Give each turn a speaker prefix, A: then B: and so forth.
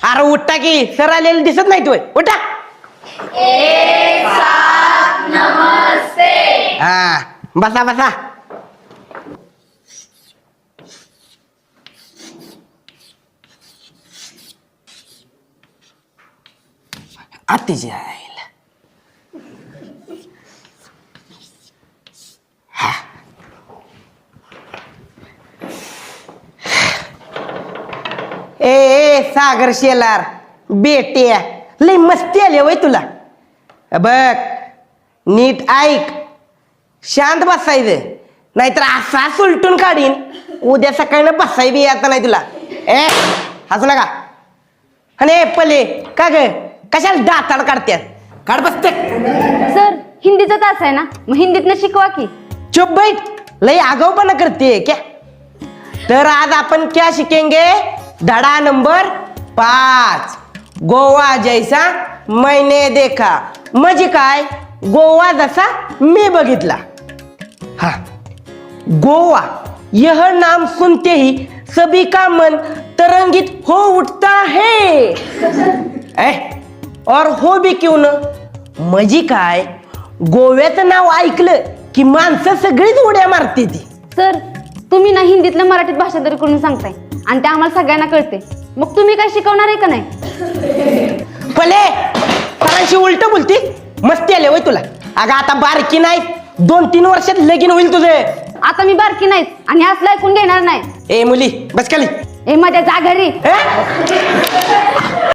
A: अरे उठा की सर आलेले दिसत नाही तू उठा. हा बसा बसा. आतीची आईला ए सागर शेलार बेट्या लय मस्ती आली वय तुला. बघ नीट ऐक, शांत बसायचं नाहीतर असा सुलटून काढीन उद्या सकाळी बसाय बी आता नाही तुला. ए हसू नका. आणि पले का ग कशाला दाताड काढत्यात, काढ बसते.
B: सर हिंदीचा तास आहे ना, मग हिंदीतनं शिकवा की.
A: चुप बैठ, लय आगाऊपणा करते क्या. तर आज आपण क्या शिकेंगे, धडा नंबर 5 गोवा जैसा मैंने देखा. म्हणजे काय, गोवा जसा मी बघितला. हा गोवा यह नाम सुनते ही सभी का मन तरंगित हो उठता है. और हो भी क्यों न. म्हणजे काय, गोव्याचं नाव ऐकलं की माणसं सगळीच उड्या मारते ती.
B: सर तुम्ही ना हिंदीतलं मराठीत भाषांतर करून सांगताय आणि ते आम्हाला सगळ्यांना कळते, मग तुम्ही काय शिकवणार आहे का नाही.
A: पले सरांशी उलट बोलती, मस्ती आले वय तुला. अगं आता बारकी नाही, 2-3 वर्षात लगीन होईल तुझे.
B: आता मी बारकी नाहीच आणि असलं ऐकून घेणार नाही.
A: ए मुली बस खाली.
B: ए माझ्या जा घरी.